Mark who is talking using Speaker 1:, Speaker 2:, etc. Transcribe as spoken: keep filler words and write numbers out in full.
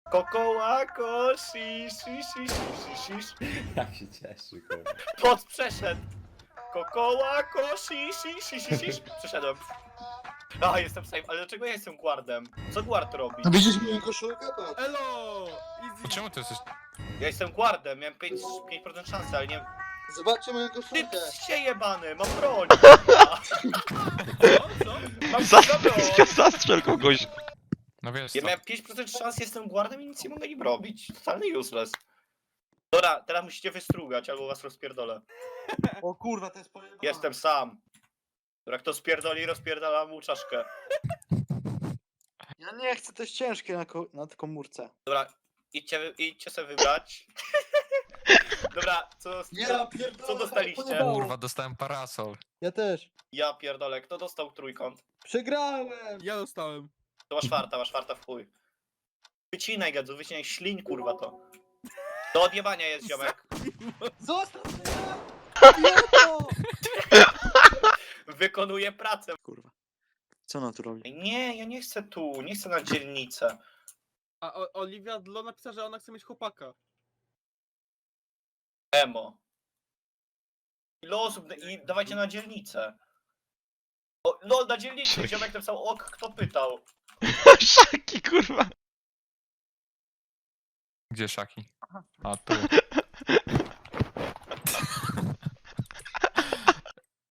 Speaker 1: Kokołako, shish, shish, shish, shish, shish.
Speaker 2: Jak się cieszy, kurwa.
Speaker 1: Pot przeszedł. Kokołako, shish, shish, shish, shish. Przeszedłem. A, jestem safe, ale dlaczego ja jestem guardem? Co guard robi?
Speaker 3: No widzisz moją koszulkę? Patrz.
Speaker 4: Elo!
Speaker 5: A
Speaker 4: Easy!
Speaker 5: czemu ty jesteś...
Speaker 1: Ja jestem guardem, miałem pięć procent szansy, ale nie...
Speaker 3: Zobaczcie moją
Speaker 1: Ty
Speaker 3: koszulkę.
Speaker 1: psie jebany, mam broń!
Speaker 4: Co? Co?
Speaker 1: Mam
Speaker 6: Za,
Speaker 1: za broń!
Speaker 6: zastrzel kogoś.
Speaker 5: No wiesz
Speaker 1: Ja
Speaker 5: co?
Speaker 1: miałem pięć procent szans, jestem guardem i nic nie mogę im robić. Totalny useless. Dobra, teraz musicie wystrugać, albo was rozpierdolę.
Speaker 3: O kurwa, to jest pojebane.
Speaker 1: Jestem sam. Dobra, kto spierdoli, rozpierdala mu czaszkę.
Speaker 3: Ja nie chcę, to jest ciężkie na, ko na komórce.
Speaker 1: Dobra, idźcie, idźcie sobie wybrać. Dobra, co,
Speaker 3: Ja
Speaker 1: co,
Speaker 3: pierdolę,
Speaker 1: co dostaliście?
Speaker 3: pojebało.
Speaker 5: Kurwa, dostałem parasol.
Speaker 3: Ja też.
Speaker 1: Ja pierdolę, kto dostał trójkąt?
Speaker 3: Przegrałem!
Speaker 4: Ja dostałem.
Speaker 1: To masz czwarta, masz czwarta w chuj. Wycinaj gadzu, wycinaj, ślin kurwa to. Do odjebania jest ziomek.
Speaker 3: Zostaw mnie! Idioto!
Speaker 1: Wykonuje pracę.
Speaker 3: Kurwa. Co ona tu robi?
Speaker 1: Nie, ja nie chcę tu, nie chcę na dzielnicę.
Speaker 4: A o Oliwia Dlo napisała, że ona chce mieć chłopaka.
Speaker 1: Emo. Ile osób, i dawajcie na dzielnicę. O, no na dzielnicę, ziomek napisał ok, kto pytał.
Speaker 6: Szaki, kurwa.
Speaker 5: Gdzie Szaki? A tu.